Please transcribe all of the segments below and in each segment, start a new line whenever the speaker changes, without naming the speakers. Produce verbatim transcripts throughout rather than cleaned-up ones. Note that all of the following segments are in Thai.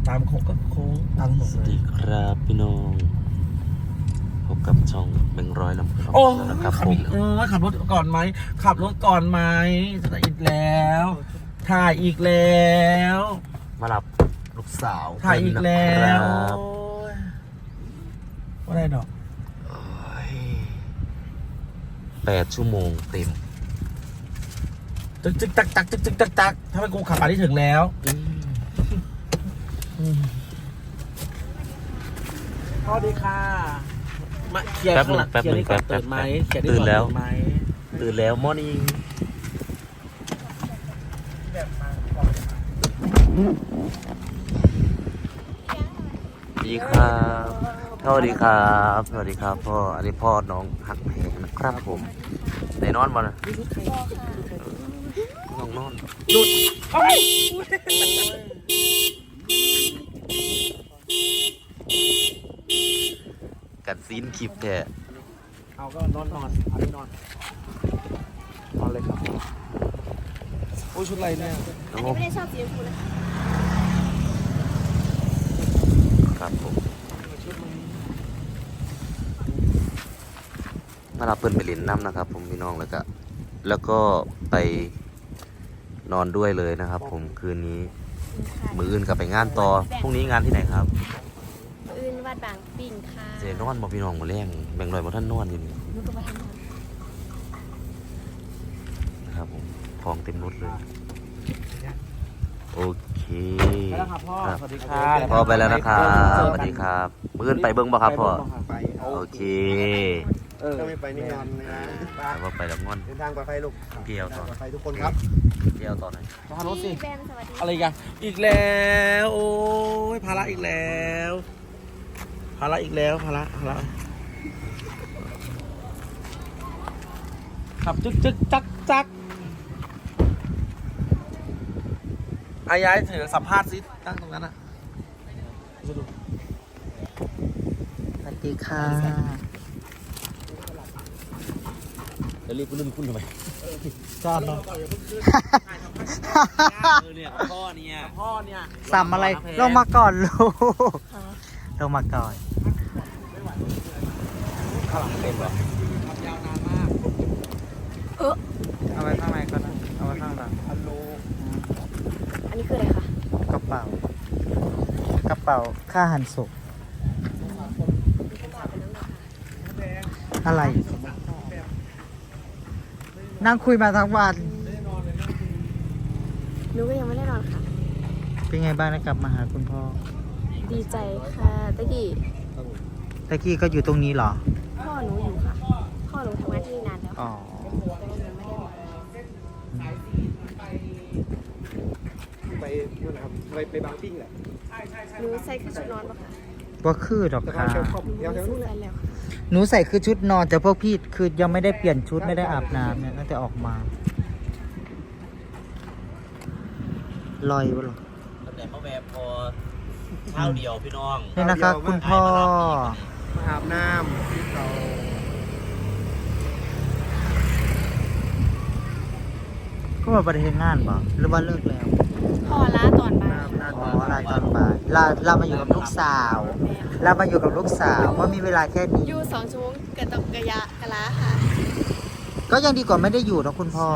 ตามโค้งก็โค้งตามถนน
สวัสดีครับพี่น้องพบกับช่องแบงค์ร้อยลำพูน
โอ้
นะครับ
ขับ
ผม
อีกเออขับรถก่อนไหมขับรถก่อนไหมถ่ายอีกแล้วถ่ายอีกแล้ว
มารับลูกสาว
ถ่ายอีกแล้ว
ครับ
ว่าได้ดอก
โอ้ยแปดชั่วโมงเต็ม
จึกจึกตักตักจึกจึกตักตักถ้าเป็นกูขับมาที่ถึงแล้วสวัสดีค่ะมาเคลียร์
แป๊บ
ข้าง
นึ
หลั
ง
ง
แป๊บ
เคลีย
นึ
ร์
ง
นี่ก่
แป๊
อน
บ
ตื่นไหมเคลียร์นี่
ตื่น
ก่อน
แล้ว
ตื่นไหม
ตื่นแล้วมอร์นิ่งดีครับสวัสดีครับสวัสดีครับพ่ออันนี้พ่อน้องหักแพงนะครับผมในนอนบ่นะน้องนอน
หยุดเฮ้ย
กัดซีนคลิปแท้
เอาก็นอนนอนเอาที่นอนนอนเลยครับโอ้ยชุดอะไรเนี่ย
โอ้
ไม่ได้ชอบสีชมพูนะคะ
ครับผมมารับเพื่อนไปเล่นน้ำนะครับ ผมพี่น้องแล้วก็แล้วก็ไปนอนด้วยเลยนะครับ ผมคืนนี้มืออื่นกลับไปงานต่อพรุ่งนี้งานที่ไหนครับ
อื่นวัดบางปิ่งค่ะ
เจนอนบ่พี่น้องมาแรงแบ่งหน่อยบ่ท่านนอนอยู่นี่
นุก็มาทำงาน
นะครับผมของเต็มรถเลยโอเค
ไปแล้วครับพ่อ
ครับ
สวัสดีครับ
พ่อไปแล้วนะครับสวัสดีครับมืออื่นไปเบิ้งบ่ครับพ่อ
ไป
โอเค
เออ
ถ้าไม่ไปนี่งอนเลยนะ
แล้วก็ไปแล้วงอน
เดินทางปลอดภัยลูก
เกี่ยวต่อ
ปลอดภัยทุกคนครับ
เกี่ยวต่อหน่อย
ขอรถสิ
พี่แบมสวัสดี
อะไรกันอีกแล้วโอ้ยภาระอีกแล้วภาระอีกแล้วภาระภาระขับจึกจึกจักจักอายายถือสัมภาษณ์ซิตั้งตรงนั้นอ่ะ
สวัสดีค่ะ
แล้วเรียกกูรุ่นคุณทำไม
จอดเนาะ
เออเนี่ยพ่อเนี่ย
พ่อเนี่ย
สัมอะไรลงมาก่อนลูกลงมาก่อน
ข้างหลังเต็มเหรอ
ขับยาวนานมาก
เอาไว้ข้างในก่อนนะเอาไว้ข้างหลัง
ฮัลโหล
อันนี้คืออะไรคะ
กระเป๋า กระเป๋าค่าหันศพอะไร นั่งคุยมาทั้งวัน
หนูก็ยังไม่ได้นอนค่ะ
เป็นไงบ้างได้กลับมาหาคุณพ่อ
ดีใจค่ะตะกี้
ตะกี้ก็อยู่ตรงนี้เหรอ
พ่อหนูอยู่ค่ะ พ่อหนูทำงานที่นี่นานแล้ว
อ๋อ
แต่ว่าหนูไม่ได้มา
ไปนู่นนะครับไปไปบางปิ้งแหละ
หนูใส่คือชุดนอนปะคะ
ว่าคือดอก
สะพา
ค่ะ
นเชลคอม
หนู
ยาวแถว
ซื้
นู้
อน แฟ
แหละ
นแล้วค่ะ
หนูใส่คือชุดนอนแต่พวกพี่คือยังไม่ได้เปลี่ยนชุดไม่ได้อาบน้ำเนี่ยตั้งแต่ออกมาลอยวะหรอ
ตั้งแต่มาแวบพอเช้าเดียวพี่น้อง
นี่นะคะคุณพ่อ
มาอาบน้ำที่เขา
ก็มาประเทศงานบ่หรือว่าเลิกแล้ว
พ่อล้าตอนบ่าย
อ๋อลาตอนบ่ายเราเรามาอยู่กับลูกสาว เรามาอยู่กับลูกสาวเพราะมีเวลาแค่นี้
อยู่สองชั่วโมงกระตกกระยะกะล้าค่ะ
ก็ยังดีกว่าไม่ได้อยู่นะคุณพ่อ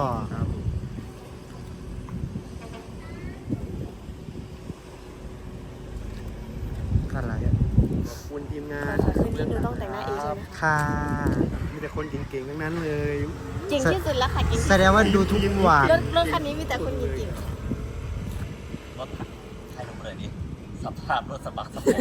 อะไร
ขอบคุณทีมงา
ขอน ค่ะคืนนี้หนูต้องแต่งหน้าเองใช่ไหม
ค่ะ
มีแต่คนเก่งๆทั้งนั้นเลย
เก่งที่สุดแล้วค่ะเก่งที่
แสดงว่าดูทุกวัน
รถรถคันนี้มีแต่คนเก่ง
รถใครลงเลยนี่สภาพรถสะบักสะบอม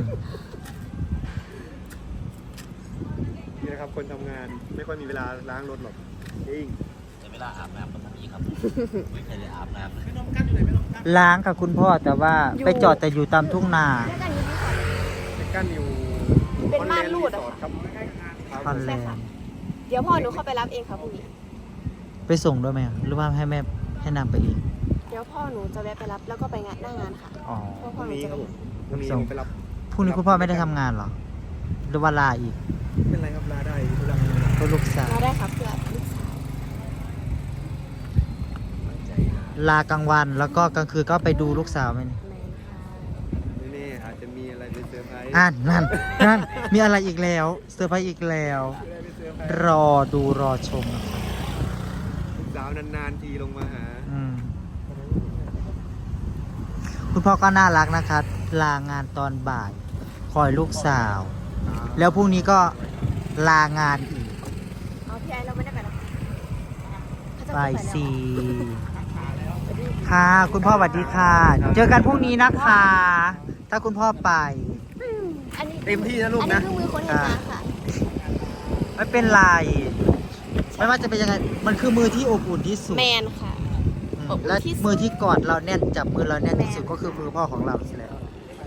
นี่นะครับคนทำงานไม่ค่อยมีเวลาล้างรถหรอกจริง
แต่เวลาอาบน้ำต้องมีครับไม่เคยได้อาบน้ำเลย
ล้างกับคุณพ่อแต่ว่าไปจอดแต่อยู่ตามทุ่งนา
ๆแล้วกันนี้พี่ขอ
ไปกั้นอยู่
เป็นม่านรูด
ส
อะ
อดครับ
คอนแลนด์
เดี๋ยวพ่อหนูเข้าไปรับเองค่ะพรุ่งนี้
ไปส่งด้วยไหมหรือว่าให้แม่ให้นำไปเอง
เดี๋ยวพ่อหนูจะแวะไปรับแล้วก็ไปงานหน้างานค่ะ
อ๋อ
เพราะ
พ
พ่อ
รุ่ง
หนู
นี้
จะ
ครับ
ไป
ผมพรุ่งนี้ผมไปรับ
พรุ่งนี้คุณพ่อไม่ได้ทำงานเหรอ หรือว่าลาอีก
เป็นไรครับลาได้ทุลัง
ก็ลูกสาว
มาได้ครับเพื่อลูกสาว
ลากลางวันแล้วก็กลางคืนก็ไปดูลูกสาวไหมเนี่ย
แมนค่ะ
จะมีอะไรเป็นเซอร์ไพรส์
อ่านนั่นนั่นมีอะไรอีกแล้วเซอร์ไพรส์อีกแล้ว
มีอะไรเป็นเซอร์ไพรส์
รอดูรอชมนะครับ
ลูกสาวนานๆทีลงมาหา
อืมคุณพ่อก็น่ารักนะคะลางานตอนบ่าย คอยลูกสาว แล้วพรุ่งนี้ก็ลางานอีก
เอาพี่ไอเราไม่ได้ไปหรอกเขาจะ
ไป
ไปแล้ว
สี่ค่ะ คุณพ่อสวัสดีค่ะ เจอกันพรุ่งนี้นะคะ ถ้าคุณพ่อไป
อันนี้
เต็มที่นะลูก
อัน
นะ
นี้คือมือคนเห็นงานค่ะ
ไม่เป็นไร ไม่ว่าจะเป็นยังไง มันคือมือที่อบอุ่นที่สุด
แมนค่ะ
อืม
อบอุ่น
และ
ที่สุด
มือที่กอดเราแน่นจับมือเราแน่นที่สุด
แม่
ก็คือมือพ่อของเรานี่แหละ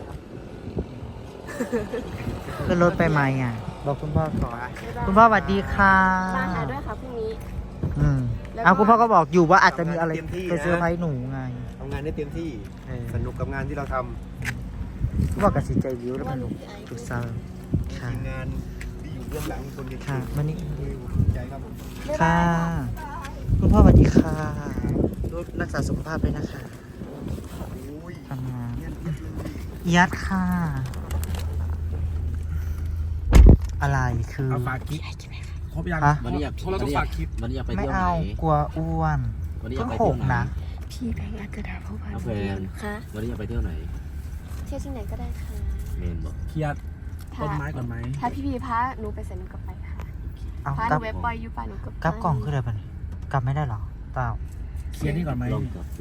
ขึ้นรถไปไหมอ่ะ บอกคุณพ่อก่อน คุณพ่อสวัสดีค่ะ
มาหาด้วยค่ะพรุ่งนี้
อืม
แล้วก็
เอาคุณพ่อก็บอกอยู่ว่าอาจจะมีอะไร
เต็มที่นะ
ไปเซอร์ไพรส์หนูไง
ทำงานได้เต็มที่
เออ
สนุกกับงานที่เราท
คุณพ่อกับสิใจวิวแล้วมันหนูถูกเซอร์
ำ
ค่ะ
ทีมงานที่อยู่เบื้องหลังคนเก่ง
ค่ะมันนี่
ๆภูมิใจครับผม
ค่ะ คุณพ่อสวัสดีค่ะดูรักษาสุขภาพด้วยนะคะ
โอ้ย
ทำงาน
เยี่ยมเยี่ยมเลย
ยัดค่ะ อะไรคือ
เอาฝากคลิปครบยัง
ฮะ
วันนี้อยาก
เพราะเราต้องฝากคลิป
วันนี้อยากไป
ไม่
เที่ยวไหน
เอากลัวอ้วน
วันนี้อ
เพิ่
ยาก
ง
ไป
ห
เที่ยว
ก
ไหน
นะ
พี่แบงค์อาจจะด่าผู้พัน
เอาแฟน
ค่ะ
วันนี้อยากไปเที่ยวไหน
เที่ยวที่ไหนก็ได้ค่ะ
เมนบอก
เคลียร์ต้นไม้ก่อนไหม
ถ้าพี่พีพาหนูไปเซ็นหนูก็ไปค่ะ
เอา
พาก ห
ลั
นู
บ
เว็บปอยอยู่ป่ะหนูก็ไป
กลับกล่องคืออะไรปะเนี่ยกลับไม่ได้หรอเปล่า
เคลียร์นี่ก่อนไหม
ลองกับดู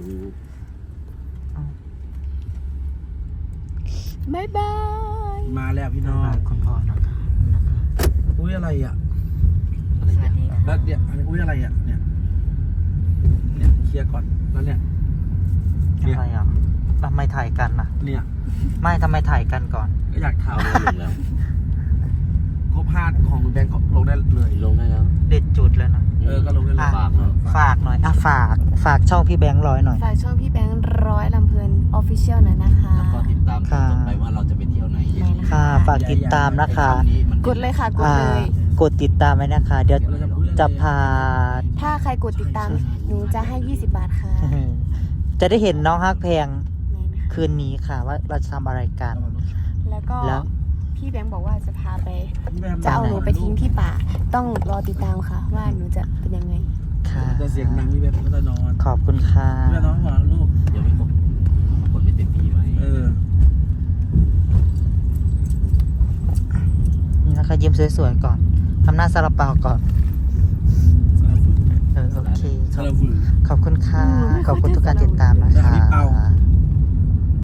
บ๊ายบาย
มาแล้วพี่น้อง
คุณพ่อนะคะนะคะ
อุ้ยอะไรอ่ะ
อะไร
สวั
เนี่ย
สดีค่ะ
แล้วเนี่ยอันนี้อุ้ยอะไรอ่ะเนี่ยเนี่ยเคลียร์ก่อนแล้วเนี่ย
อะไรอ่ะทำไมถ่ายกันอ่ะ
เนี่ย
ไม่ทำไมถ่ายกันก่อน
ก็อยากถาม
เอาลงแล้ว
ครบห้าของคุณแบงค์ก็ลงได้เลย
ลงได้แล้ว
เด็ดจุดแล้วนะ
เออก็ลงได้เลย
ฝากเนาะ
ฝากหน่อยอ่ะฝาก ฝากช่องพี่แบงค์ร้อยหน่อย
ฝากช่องพี่แบงค์ร้อยลำเพลินออฟฟิเชียลหน่อยนะคะ
แล้วก็ติดตามตอนต่อไปว่าเราจะไปเที่ยวไหน
ได้นะคะ
ค่ะ ฝากติดตามนะคะ
ไอ้ำนี้มัน
กดเลยค่ะ กด
อ่า
เลย
กดติดตามไว้นะคะ เดี๋ยว
เราจะพูดอะไร
จะพา
ถ้าใครกดติดตาม หนูจะให้ ยี่สิบบาทค่ะ
จะได้เห็นน้องฮักแพง
แม่นะคะ
คืนนี้ค่ะ ว่าเราจะทำอะไรกัน
แล้วก็
แล้ว
พี่แบงค์บอกว่าจะพาไป
พี่แบม
จะเอาหนูไปทิ้งที่ป่า ต้องรอติดตามค่ะ ว่าหนูจะเป็นยังไง
ค่ะ
จะเสียงดังพี่แบมก็จะนอน
ขอบคุณค่ะ
พี่แบมน้องบอกลูก
ยังไม่ครบกดไม่เต็มที่ไหม
เออ
นี่นะคะยิ้มสวยๆก่อนทำหน้าซาลาเปาก่อน
ซาลาฟู
เออโอเคข
ซา
อบ
ลาฟู
ขอบคุณค่ะ
อืมไม่
ขอบคุณ
เข้าใจ
ทุกการติดตามนะ
ซา
คะ
ลาเปา